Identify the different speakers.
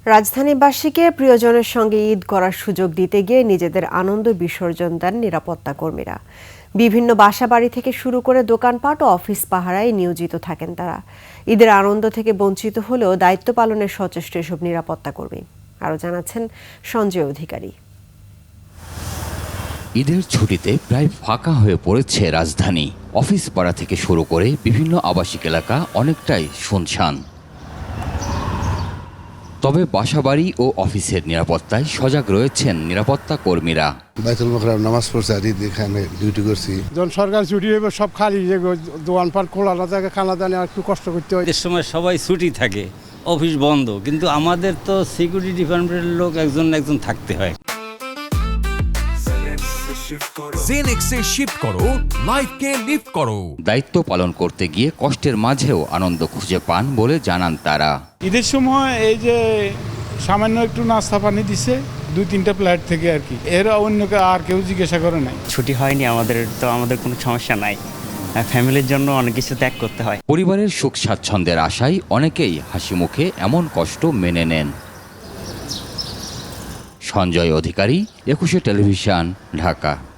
Speaker 1: রাজধানীবাসীকে প্রিয়জনের সঙ্গে ঈদ করার সুযোগ দিতে গিয়ে নিজেদের আনন্দ বিসর্জন দেন নিরাপত্তা কর্মীরা। বিভিন্ন বাসাবাড়ি থেকে শুরু করে দোকানপাট ও অফিস পাহারায় নিয়োজিত থাকেন তারা। ঈদের আনন্দ থেকে বঞ্চিত হলেও দায়িত্ব পালনের সচেষ্ট এসব নিরাপত্তা কর্মী। আরও জানাচ্ছেন সঞ্জয় অধিকারী।
Speaker 2: ঈদের ছুটিতে প্রায় ফাঁকা হয়ে পড়েছে রাজধানী। অফিস পাড়া থেকে শুরু করে বিভিন্ন আবাসিক এলাকা অনেকটাই শুনশান। তবে বাসাবাড়ি ও অফিসের নিরাপত্তায় সজাগ রয়েছেন নিরাপত্তা কর্মীরা।
Speaker 3: বাইতুল মোকাররম নামাজ পড়ছে আর এখানে ডিউটি করছি।
Speaker 4: যখন সরকার ছুটি হইবে সব খালি, যে দোকানপাট খোলা না থাকে, খানা দানে একটু কষ্ট করতে হয়।
Speaker 5: এর সময় সবাই ছুটি থাকে, অফিস বন্ধ, কিন্তু আমাদের তো সিকিউরিটি ডিপার্টমেন্টের লোক একজন থাকতে হয়।
Speaker 6: জেনেক্সে শিফট করো, লাইফকে লিফট করো।
Speaker 2: দায়িত্ব পালন করতে গিয়ে কষ্টের মাঝেও আনন্দ খুঁজে পান বলে জানান তারা।
Speaker 4: ঈদের সময় এই যে সামান্য একটু নাস্তা পানি দিছে 2-3টা প্লেট থেকে আর কি, এর অন্যকে আর কেউ জিজ্ঞাসা করে নাই।
Speaker 7: ছুটি হয়নি আমাদের, তো আমাদের কোনো সমস্যা নাই। ফ্যামিলির জন্য অনেক কিছু ত্যাগ করতে হয়।
Speaker 2: পরিবারের সুখ স্বাচ্ছন্দ্যের আশায় অনেকেই হাসি মুখে এমন কষ্ট মেনে নেন। সঞ্জয় অধিকারী, 21 টেলিভিশন, ঢাকা।